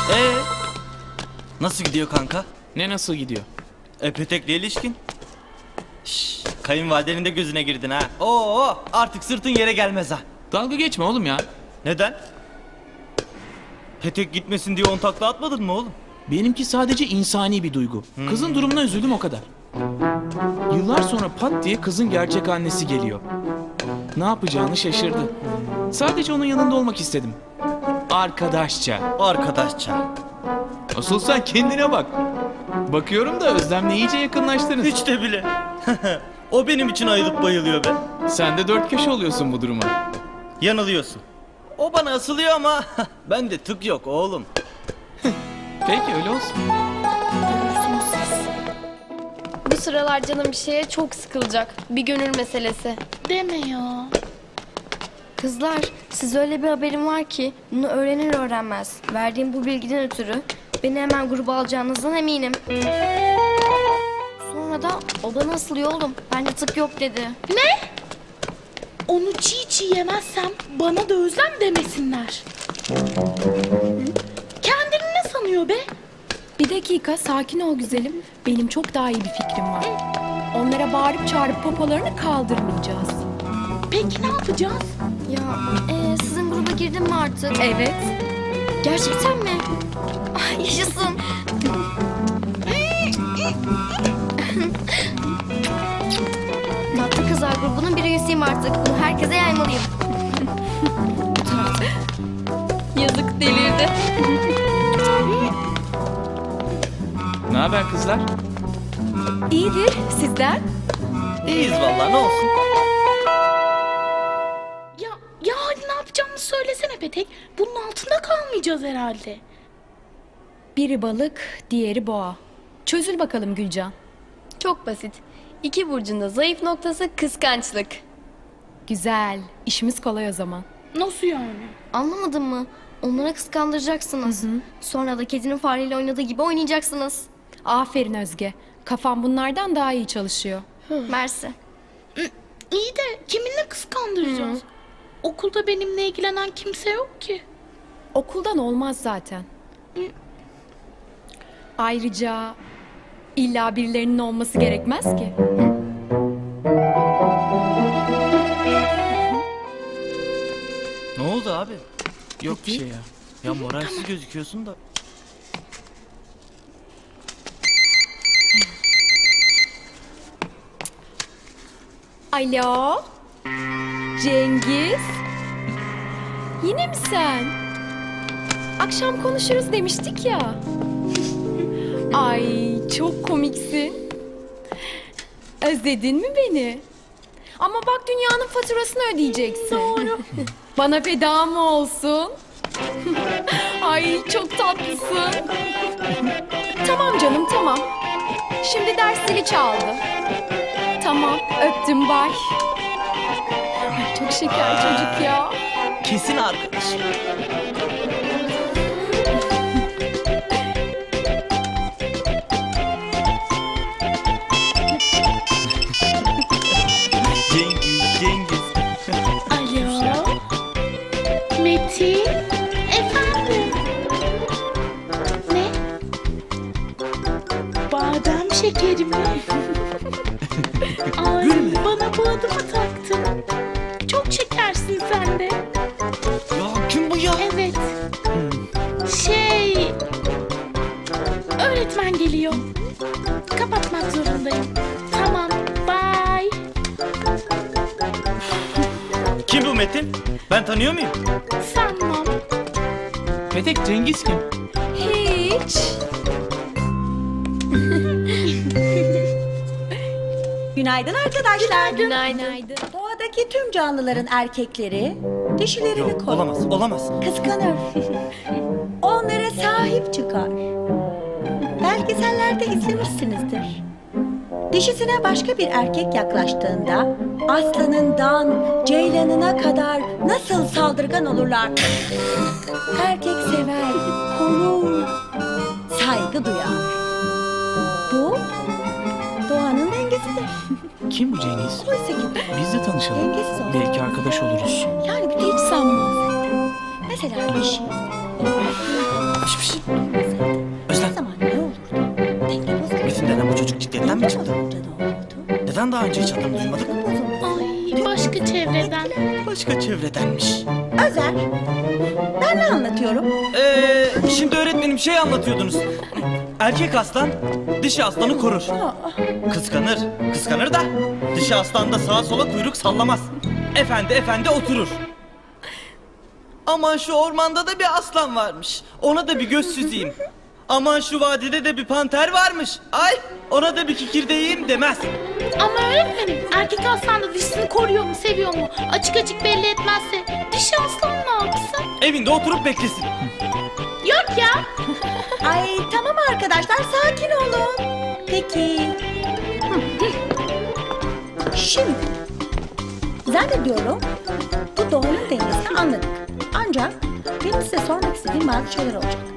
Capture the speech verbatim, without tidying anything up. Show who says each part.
Speaker 1: Ee, nasıl gidiyor kanka?
Speaker 2: Ne nasıl gidiyor?
Speaker 1: E Petek'le ilişkin? Şşş, kayınvalidenin de gözüne girdin ha. Oo, artık sırtın yere gelmez ha.
Speaker 2: Dalga geçme oğlum ya.
Speaker 1: Neden? Petek gitmesin diye on takla atmadın mı oğlum?
Speaker 2: Benimki sadece insani bir duygu. Kızın durumuna üzüldüm o kadar. Yıllar sonra pat diye kızın gerçek annesi geliyor. Ne yapacağını şaşırdı. Sadece onun yanında olmak istedim. Arkadaşça.
Speaker 1: Arkadaşça.
Speaker 2: Asıl sen kendine bak. Bakıyorum da Özlem'le iyice yakınlaştınız.
Speaker 1: Hiç de bile. O benim için ayılıp bayılıyor be.
Speaker 2: Sen de dört köşe oluyorsun bu duruma.
Speaker 1: Yanılıyorsun. O bana asılıyor ama ben de tık yok oğlum.
Speaker 2: Peki öyle olsun.
Speaker 3: Görürsünüz siz. Bu sıralar canım bir şeye çok sıkılacak. Bir gönül meselesi.
Speaker 4: Deme ya.
Speaker 3: Kızlar, size öyle bir haberim var ki bunu öğrenir öğrenmez. Verdiğim bu bilgiden ötürü beni hemen gruba alacağınızdan eminim. Sonra da o bana asılıyor oğlum. Bende tık yok dedi.
Speaker 4: Ne? Onu çiğ çiğ yemezsem bana da özlem demesinler. Kendini ne sanıyor be?
Speaker 5: Bir dakika sakin ol güzelim. Benim çok daha iyi bir fikrim var. Onlara bağırıp çağırıp popolarını kaldırmayacağız.
Speaker 4: Peki ne yapacağız?
Speaker 3: Ya e, sizin gruba girdin mi artık?
Speaker 5: Evet.
Speaker 3: Gerçekten mi? Ay, yaşasın. Tatlı Kızlar grubunun bir üyesiyim artık. Bunu herkese yaymalıyım. Yazık delirdi.
Speaker 2: Ne haber kızlar?
Speaker 5: İyidir sizden.
Speaker 1: İyiyiz vallahi, ne olsun.
Speaker 4: Ya, ya hadi ne yapacağımızı söylesene Petek. Bunun altında kalmayacağız herhalde.
Speaker 5: Biri balık, diğeri boğa. Çözül bakalım Gülcan.
Speaker 3: Çok basit. İki burcun da zayıf noktası kıskançlık.
Speaker 5: Güzel. İşimiz kolay o zaman.
Speaker 4: Nasıl yani?
Speaker 3: Anlamadın mı? Onlara kıskandıracaksınız. Sonra da kedinin fareyle oynadığı gibi oynayacaksınız.
Speaker 5: Aferin Özge. Kafam bunlardan daha iyi çalışıyor.
Speaker 3: Mersi.
Speaker 4: İyi de kiminle kıskandıracağız? Okulda benimle ilgilenen kimse yok ki.
Speaker 5: Okuldan olmaz zaten. Ayrıca illa birilerinin olması gerekmez ki.
Speaker 1: Ne oldu abi?
Speaker 2: Yok bir şey ya.
Speaker 1: Ya moralsiz gözüküyorsun da.
Speaker 5: Alo? Cengiz? Yine mi sen? Akşam konuşuruz demiştik ya. Ay çok komiksin. Özledin mi beni? Ama bak dünyanın faturasını ödeyeceksin. Doğru. Bana feda mı olsun? Ay çok tatlısın. Tamam canım tamam. Şimdi ders zili çaldı. Tamam öptüm bay. Ay, çok şeker çocuk ya.
Speaker 1: Kesin arkadaş. Cengiz, Cengiz.
Speaker 4: Alo? Metin? Efendim? Ne? Badem şekeri mi? Ay bana bu adı mı taktın? Çok şekersin sen de.
Speaker 1: Ya kim bu ya?
Speaker 4: Evet. Şey... Öğretmen geliyor. Kapatmak zorundayım. Tamam, bye.
Speaker 1: Kim bu Metin? Ben tanıyor muyum?
Speaker 4: Sanmam.
Speaker 2: Petek, Cengiz kim?
Speaker 5: Hiç.
Speaker 6: Günaydın arkadaşlar.
Speaker 3: Günaydın.
Speaker 6: Doğadaki tüm canlıların erkekleri dişilerini
Speaker 1: Yok,
Speaker 6: korur.
Speaker 1: olamaz, olamaz.
Speaker 6: Kıskanır. Onlara sahip çıkar. Belgesellerde izlemişsinizdir. Dişisine başka bir erkek yaklaştığında aslanından ceylanına kadar nasıl saldırgan olurlar. Erkek sever, korur, saygı duyar. Bu doğanın dengesidir.
Speaker 2: Kim bu Cengiz?
Speaker 6: Oysa ki
Speaker 2: Biz de tanışalım.
Speaker 6: dengesiz olur.
Speaker 2: Belki arkadaş oluruz.
Speaker 6: Yani bir de hiç sanmaz. Mesela bir şey.
Speaker 1: Piş piş.
Speaker 6: O
Speaker 1: Özlem,
Speaker 6: zaman ne olurdu? Denge bozulurdu.
Speaker 1: Metin denen bu çocuk ciddiyetten mi çıktı?
Speaker 6: Bozulunca ne olurdu?
Speaker 1: Neden daha önce hiç adını duymadık?
Speaker 4: Ay başka çevreden.
Speaker 1: Başka çevredenmiş.
Speaker 6: Özer. Ben ne anlatıyorum?
Speaker 1: Ee, şimdi öğretmenim şey anlatıyordunuz. Erkek aslan dişi aslanı korur. Kıskanır, kıskanır da dişi aslan da sağa sola kuyruk sallamaz. Efendi efendi oturur. Aman şu ormanda da bir aslan varmış. Ona da bir göz süzeyim. Aman şu vadide de bir panter varmış. Ay ona da bir kikirdeğim demez.
Speaker 4: Ama öğretmenim erkek aslan da dişisini koruyor mu seviyor mu? Açık açık belli etmezse dişi aslan ne yapsın?
Speaker 1: Evinde oturup beklesin.
Speaker 4: Yok ya.
Speaker 6: Ay tamam arkadaşlar sakin olun. Peki. Şimdi zannediyorum bu doğanın dengesini anladık. Ancak benim size sormak istediğim bazı şeyler olacak.